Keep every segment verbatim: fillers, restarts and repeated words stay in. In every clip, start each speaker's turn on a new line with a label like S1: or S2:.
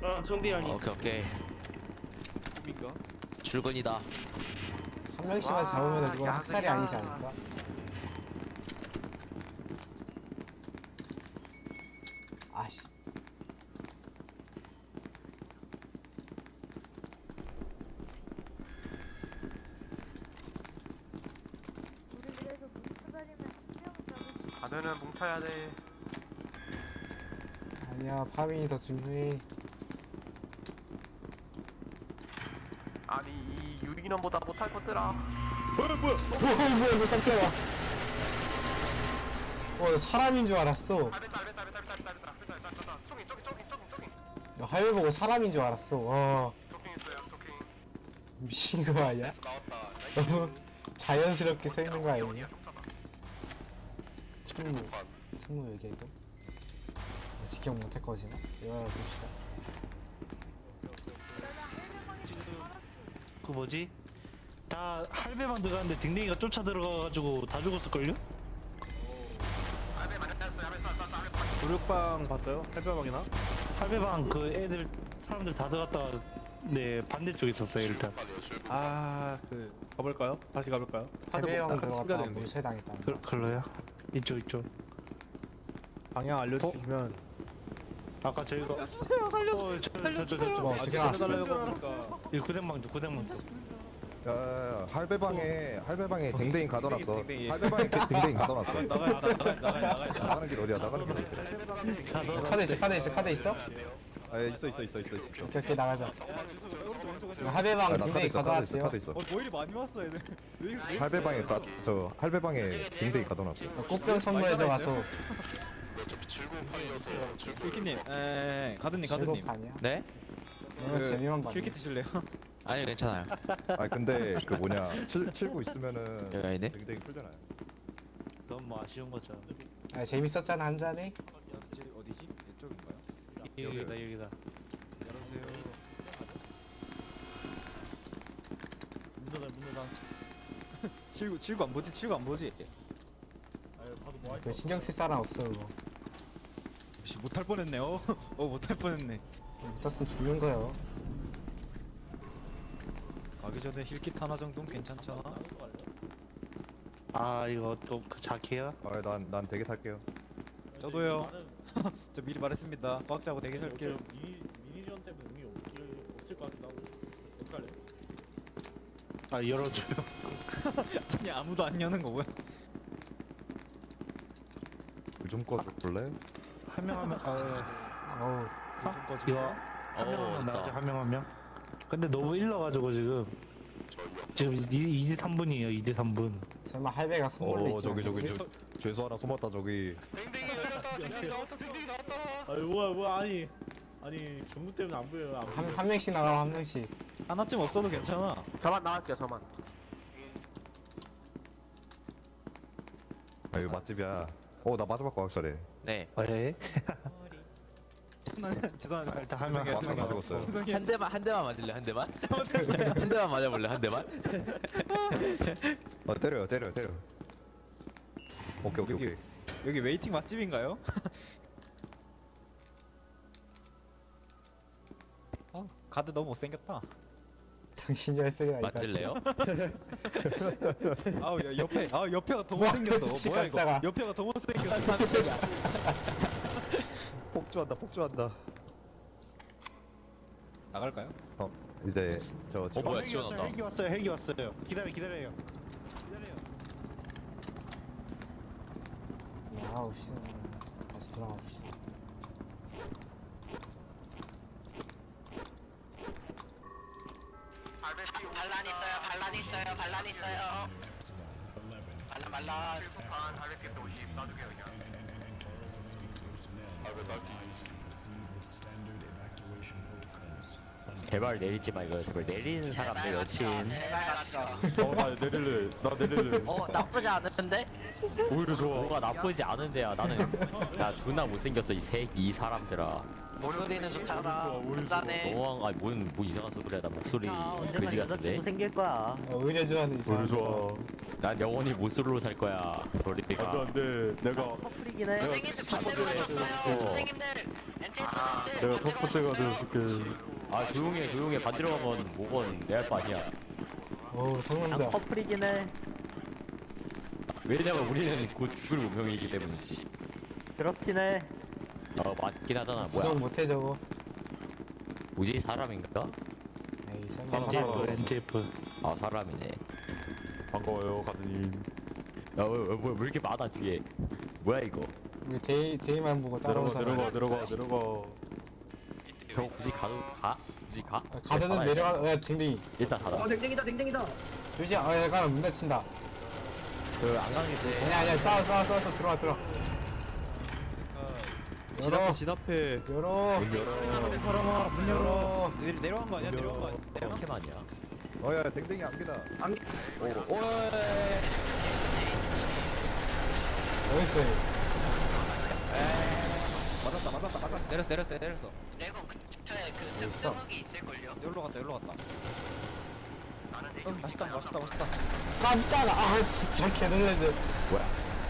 S1: 어, 정비하니.
S2: 오케이 오케이.
S3: 꿈인가?
S2: 출근이다.
S4: 한 명씩만 잡으면 그건 학살이 아니지 않을까? 아씨.
S5: 우리 그래도 뭉쳐다니면 한명 잡을 수
S3: 다들은 뭉쳐야 돼.
S4: 아니야, 파밍이 더 중요해.
S3: 아니 이 유인원보다 못할 것들아.
S4: 뭐야, 뭐야, 이거 깜짝이야. 어, 나 사람인 줄 알았어.
S3: 알겠다 알겠다 알겠다 알겠다 알겠다 알겠다 알겠다. 스토킹 스토킹 스토킹 스토킹 스토킹.
S4: 야, 하늘 보고 사람인 줄 알았어. 와,
S3: 스토킹 있어요 스토킹.
S4: 미친 거 아니야?
S3: 나왔다.
S4: 너무 자연스럽게 서 있는 거
S3: 어디야
S4: 아니냐?
S3: 깜짝아.
S4: 충무, 충무 얘기해도? 직격 못할 것이나? 이거 봅시다.
S5: 내가 할배방에서
S1: 지금-
S5: 살았어.
S1: 그 뭐지? 다 할배방 들어갔는데 댕댕이가 쫓아 들어가가지고 다 죽었을걸요?
S3: 할배 맞았어요 할배 쏴 쏴 쏴 할배 맞았어.
S6: 도륙방 봤어요? 할배방이나?
S1: 할배방 그 애들 사람들 다 들어갔다가 네 반대쪽에 있었어요 일단.
S6: 아, 그 가볼까요? 다시 가볼까요? 카드
S4: 해배형
S6: 뭐, 카드 쓰가
S4: 들어갔다가
S6: 되는데
S4: 물체당했다.
S1: 그, 그걸로요? 이쪽 이쪽.
S6: 방향 알려주시면
S1: 아까 저희가
S7: 살려주세요 살려주세요
S1: 어, 저, 저, 저, 저,
S7: 살려주세요
S4: 저,
S6: 아,
S4: 어떻게
S6: 진짜
S4: 알았어?
S6: 살려달라고
S7: 줄
S6: 그러니까
S7: 알았어요.
S1: 이 구댕방주 구댕방주.
S7: 진짜 죽는 줄 알았어.
S8: 야, 할배방에 할배방에 댕댕이 가둬놨어.
S7: 댕댕이.
S8: 할배방에 댕댕이 가둬놨어.
S7: 나가 나가 나가 나가 나가
S8: 나가는 길 어디야? 나가는 길 어디야?
S1: 가서
S4: 카드 있어, 카드 있어, 카드 있어?
S8: 아, 있어 있어 있어 있어 있어.
S4: 오케이, 오케이, 나가자.
S7: 아 주소 오른쪽 왼쪽 왼쪽.
S8: 아,
S4: 하배방
S8: 나 카드
S4: 굉장히
S8: 있어, 카드 있어,
S4: 가져왔어요.
S8: 카드 있어.
S7: 어 뭐 이리 많이 왔어 얘들. 왜 이렇게
S8: 할배방에 가, 저 할배방에 댕댕이 가둬놨어.
S4: 꽃병 선물해줘
S7: 많이
S4: 가서.
S7: 킬키님, 에 가드님 가드님.
S4: 즐겁 아니야?
S2: 네?
S4: 오늘 재미만 봤네.
S7: 킬키 드실래요?
S2: 아니 괜찮아요.
S8: 아, 근데 그 뭐냐 칠 칠구 있으면은
S2: 여기 아니네?
S8: 댕댕이 풀잖아요.
S1: 너무 뭐 아쉬운 거죠.
S4: 아, 재밌었잖아, 한 잔에.
S7: 어디지 어디지? 이쪽인가요?
S1: 여기다 여기다.
S7: 열어주세요.
S6: 문제다 문제다.
S7: 칠구 칠구 안 보지 칠구 안 보지.
S6: 아유, 봐도 뭐
S4: 그 신경 쓸 사람 없어, 그거.
S7: 씨 못할 뻔했네요. 어 못할 뻔했네.
S4: 붙었으면 죽는 거요.
S7: 가기 전에 힐킷 하나 정도는 괜찮잖아.
S1: 아 이거 또 그 자키야?
S8: 아, 난 난 되게 탈게요.
S7: 저도요. 저 미리 말했습니다. 꽉 잡고 대기 살게요.
S6: 미니 미니전 때문에 의미 없길 없을 것 같기도 하고. 어떡할래?
S1: 아 열어줘요.
S7: 아니 아무도 안 여는 거 뭐야?
S8: 요즘 거 볼래?
S1: 한 명 하면 아
S4: 어우,
S7: 좀 꺼주고.
S1: 이거 한 명
S2: 오
S1: 하면 나가죠
S2: 됐다.
S1: 한 명 한 명. 근데 너무 일러가지고 지금 지금 이 대 삼 분이에요 이 대 삼 분.
S4: 설마 할배가 선물로
S8: 어,
S4: 있지
S8: 저기 저기
S4: 않겠지?
S8: 저 죄수 하나 숨었다 저기.
S3: 댕댕이 열렸다 댕댕이 나왔어 댕댕이 나왔다.
S6: 아유 뭐야 뭐야 아니 아니 전구 때문에 안 보여요. 안
S4: 한,
S6: 보여.
S4: 한 명씩 나가면 한 명씩.
S7: 하나쯤 없어도 괜찮아.
S3: 저만 나갈게요 저만.
S8: 아, 이거 맛집이야. 어, 나 마지막 거 확실해.
S2: 네.
S1: 네.
S7: 죄송합니다. 죄송합니다.
S1: 일단 한 명.
S7: 죄송해요.
S8: 한 명 가져갔어요.
S7: 죄송해요.
S2: 한 대만 한 대만 맞을래 한 대만? 한 대만 맞아볼래 한 대만?
S8: 어, 때려요, 때려요, 때려. 오케이, 오케이,
S7: 여기
S8: 오케이.
S7: 여기 웨이팅 맛집인가요? 아 가드 너무 못생겼다.
S4: 당신이 할 소리가 아니다.
S2: 맞을래요?
S7: 아우 야, 옆에 아 옆에가 더 못생겼어.
S4: 미친
S7: 뭐야 이거?
S4: 각자가.
S7: 옆에가 더 못생겼어.
S8: 폭주한다, 폭주한다.
S7: 나갈까요?
S8: 어, 이제 저
S2: 어, 뭐야,
S1: 헬기
S2: 시원하다.
S1: 왔어요 헬기 왔어요 헬기 왔어요. 기다려 기다려요. 기다려요.
S4: 나가봅시다. 다시 돌아가봅시다.
S2: 반란 있어요 반란 있어요 반란 있어요. 반란 반란.
S3: 실속한 할배팀 오십 놔두게요 그냥.
S2: 제발 내리지 마 이거 제발 내리는 사람 내 여친.
S8: 어, 나 내릴래. 나 내릴래.
S2: 어 나쁘지 않은데?
S8: 오히려 좋아.
S2: 뭐가 나쁘지 않은데야 나는 야 존나 못생겼어 이 새 이 사람들아. 목소리는 좋잖아. 혼자네.
S9: 너무 아니 뭔, 뭐 이상한 소리야. 나 목소리
S10: 언젠가
S9: 그지 같은데.
S10: 여자친구 생길 거야.
S4: 어, 의뢰 좋아하는 이상.
S9: 좋아. 난 영원히 모쏠로 살 거야. 머리띠가.
S11: 안돼 내가
S10: 커플이긴 해.
S2: 선생님들 반대로 하셨어요. 선생님들 엔젤분들
S11: 내가 첫 번째가 되어줄게.
S9: 아 조용해 조용해. 반대로 가면 뭐건 내 할 거 아니야.
S4: 어우, 상남자.
S10: 난 커플이긴 해.
S9: 왜냐면 우리는 곧 죽을 운명이기 때문이지.
S10: 그렇긴 해.
S9: 어 맞긴 하잖아.
S4: 부정
S9: 뭐야?
S4: 못해 저거.
S9: 뭐지 사람인가?
S4: 에이, 설마.
S11: 사람,
S1: 엔제프
S11: 사람.
S1: 엔제프.
S9: 아 사람이네.
S11: 반가워요 가드님.
S9: 야, 왜, 왜, 왜 이렇게 많아 뒤에? 뭐야 이거?
S4: 우리 데이 데이만 보고 따라온
S11: 내려가
S4: 사람.
S11: 내려가 내려가 내려가.
S9: 저 굳이 가도 가? 굳이 가?
S4: 아, 가드는 내려가. 야, 댕댕이.
S9: 일단 닫아.
S3: 댕댕이다 댕댕이다.
S4: 조지, 아, 약간 문 닫힌다.
S9: 그안 가는 게
S4: 아니야, 아니야, 싸워, 싸워, 싸워, 싸워. 들어와, 들어와. 열어,
S11: 진압해.
S4: 열어.
S9: 문 열어.
S7: 사람아 문 열어.
S4: 열어.
S7: 내, 내려간 거 아니야? 내려간 거 아니야?
S9: 이렇게 많냐?
S8: 어야 댕댕이 안기다.
S9: 오, 오,
S4: 어딨어, 얘?
S7: 맞았다 맞았다 맞았어. 내렸어 내렸어 내렸어.
S2: 레곤 근처에 그
S4: 있어?
S2: 증증흑이 있을걸요.
S7: 여기로 갔다 여기로 갔다. 응 맛있다 맛있다 맛있다.
S4: 깜짝아. 아, 진짜 개놀랐네.
S9: 뭐야?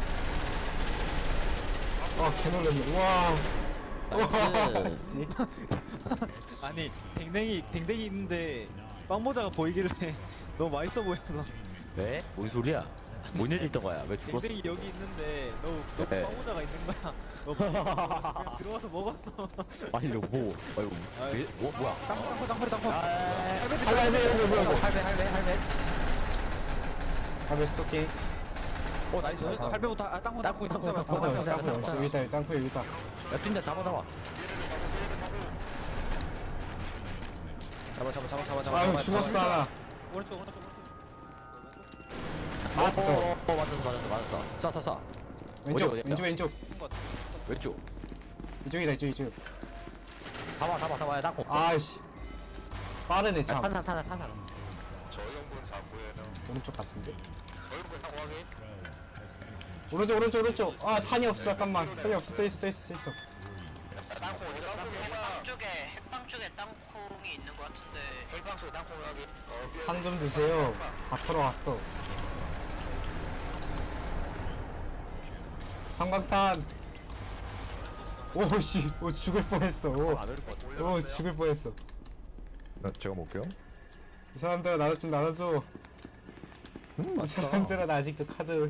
S4: 어, 개놀랐네. 우와.
S9: 나이스.
S4: 씨.
S7: 아니 댕댕이 댕댕이 있는데 빵모자가 보이길래 너무 맛있어 보여서
S9: 왜? 뭔 소리야? 뭔 일 있던 거야? 왜 죽었어?
S7: 댕댕이 여기 있는데 너너
S9: 네.
S7: 빵모자가 있는 거야. 너 빨리 먹어서 그냥 들어와서 먹었어.
S9: 아니 너 뭐? 아이고 왜? 뭐 뭐야?
S7: 땅콩 땅콩 땅콩 땅콩.
S4: 할배, 할배, 뭐야, 뭐.
S9: 할배 할배 할배.
S4: 할배 스토킹.
S9: 어 나이스.
S7: 어, 할배부터 아 땅콩
S9: 땅콩, 땅콩,
S7: 잡아.
S9: 땅콩,
S7: 땅콩
S9: 땅콩,
S7: 잡아.
S9: 땅콩.
S4: 땅콩, 여기 있다, 땅콩 여기 있다.
S9: 야 뛴다 잡아 잡아.
S7: 잡아 잡아 잡아 잡아 잡아.
S4: 아유,
S7: 잡아,
S4: 죽었어,
S7: 잡아.
S4: 하나.
S7: 오른쪽 오른쪽 오른쪽.
S4: 맞았죠?
S9: 어, 어 맞았어 맞았어 맞았어. 쏴 쏴 쏴.
S4: 왼쪽,
S9: 어디야?
S4: 왼쪽, 왼쪽.
S9: 왼쪽.
S4: 이쪽이다, 이쪽, 이쪽.
S9: 잡아 잡아 잡아. 야 땅콩.
S4: 아이씨. 빠르네,
S9: 야,
S4: 참.
S9: 탄산 탄산 탄산.
S4: 오른쪽 같은데?
S3: 저희분 사고 확인.
S4: 오른쪽, 오른쪽, 오른쪽. 아, 탄이 없어, 잠깐만. 탄이 없어, 저 있어, 저 있어, 저 있어.
S3: 땅콩 어디 갔어?
S2: 핵방 쪽에 핵방 쪽에 땅콩이 있는 것 같은데.
S3: 핵방 속에 땅콩 확인. 어,
S4: 탄 좀 드세요. 다 털어왔어. 성광탄. 오씨, 오 죽을 뻔했어. 오,
S9: 안 오를 것 같아.
S4: 오 죽을 뻔했어.
S8: 나 제가 먹게요.
S4: 이 사람들아 나도 좀 나눠줘.
S8: 음
S4: 이
S8: 맛있다.
S4: 사람들아 나 아직도 카드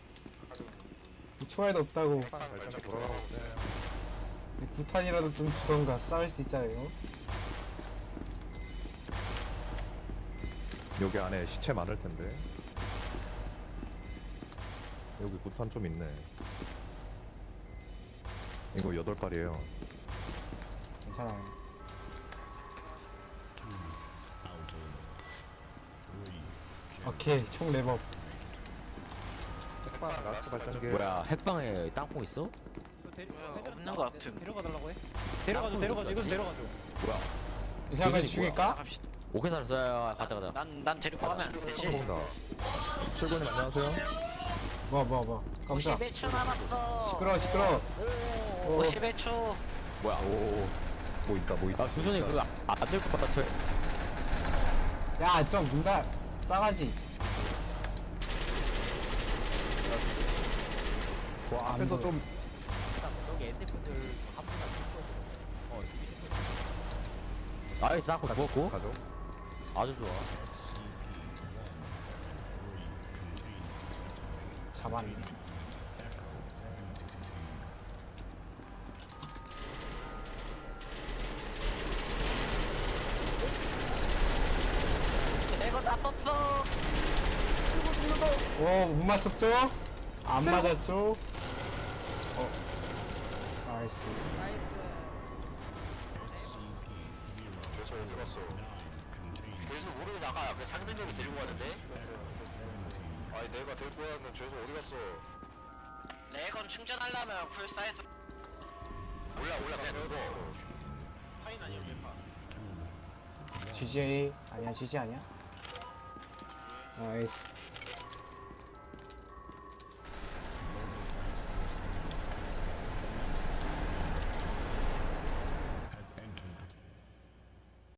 S4: 초에도 없다고.
S8: 발전기 돌아가고 있어요.
S4: 구탄이라도 좀 주던가 싸울 수 있잖아요.
S8: 여기 안에 시체 많을 텐데. 여기 구탄 좀 있네. 이거 여덟 발이에요.
S4: 괜찮아요. 오케이 총 랩업.
S8: 핵방 라스트 발전기.
S9: 뭐야 핵방에 땅콩 있어?
S2: 없는 것 같음.
S7: 데려가 달라고 해. 데려가줘 데려가줘 이건 데려가줘.
S9: 뭐야?
S4: 이 사람을
S9: 이분이
S4: 죽일까?
S2: 갑시다.
S9: 오케이 살았어. 가자 가자.
S2: 난난 데리고 가면 안 되지.
S8: 성공다. 출근님 안녕하세요.
S4: 뭐야 뭐야 뭐야. 깜짝.
S2: 오십일 초 남았어.
S4: 시끄러 시끄러. 오,
S2: 오십일 초.
S9: 뭐야? 오.
S8: 뭐 있다 뭐 있다.
S9: 아 조선이 그거 안될것 같다. 저.
S4: 야, 좀 문다 싸가지.
S8: 와 앞에서 좀
S9: 여기 엔티분들 한 분만 어. 나이스 땅콩 죽었고.
S8: 가죠.
S9: 아주 좋아.
S4: 잡았네.
S2: 내가 다 썼어.
S4: 오, 못 맞췄죠? 안 맞았죠? 어. 나이스.
S3: 죄송 어디 갔어? 죄송 모르고 나가. 그 상대적이 데리고 가는데. 아니 내가 데리고 왔는데 죄송 어디 갔어?
S2: 레건 충전하려면 쿨사에서
S3: 올라 올라 그냥 죽어.
S6: 파인 아니야 파.
S4: 지지에이 아니야, 지지 아니야? 나이스.